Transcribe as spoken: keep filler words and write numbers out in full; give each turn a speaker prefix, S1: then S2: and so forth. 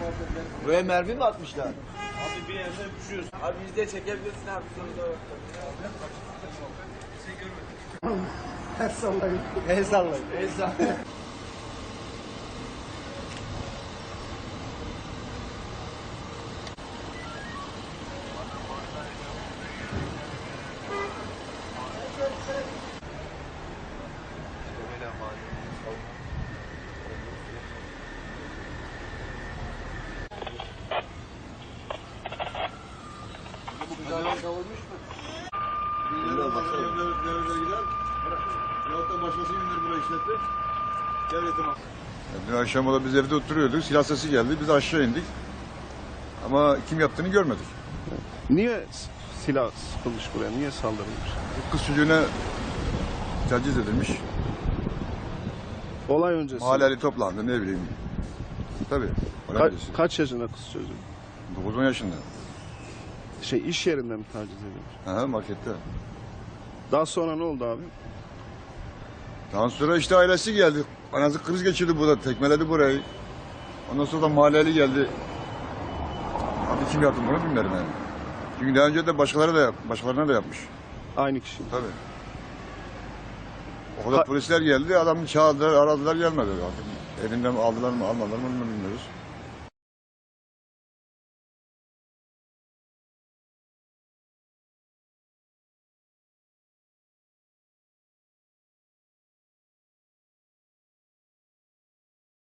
S1: Buraya mermi mi atmışlar?
S2: Abi bir yerden düşüyoruz.
S1: Abi biz de çekebilirsin abi sonunda.
S3: El sallayın.
S1: El sallayın. El sallayın.
S3: Kavurmuş mu?
S2: Nerede gider? Yahut da başkası bindir buraya işletti. Devletim az.
S4: Dün akşam da biz evde oturuyorduk. Silah sesi geldi. Biz aşağı indik. Ama kim yaptığını görmedik.
S5: Niye silah sıkılmış buraya? Niye saldırılmış?
S4: Kız çocuğuna taciz edilmiş.
S5: Olay öncesi.
S4: Mahalleli toplandı ne bileyim. Tabii.
S5: Ka- kaç yaşında kız çocuğu?
S4: dokuz on yaşında.
S5: Şey iş yerinde mi taciz edilmiş?
S4: Aha, markette.
S5: Daha sonra ne oldu abi?
S4: Daha sonra işte ailesi geldi. Anası kriz geçirdi burada. Tekmeledi burayı. Ondan sonra da mahalleli geldi. Abi kim yaptı bunu bilmiyorum yani. Çünkü daha önce de başkaları da yap, başkalarına da yapmış.
S5: Aynı kişi.
S4: Tabii. O kadar
S5: Ka-
S4: polisler geldi. Adamı çağırdılar, aradılar gelmedi. Artık elinden aldılar mı almadılar mı bilmiyoruz.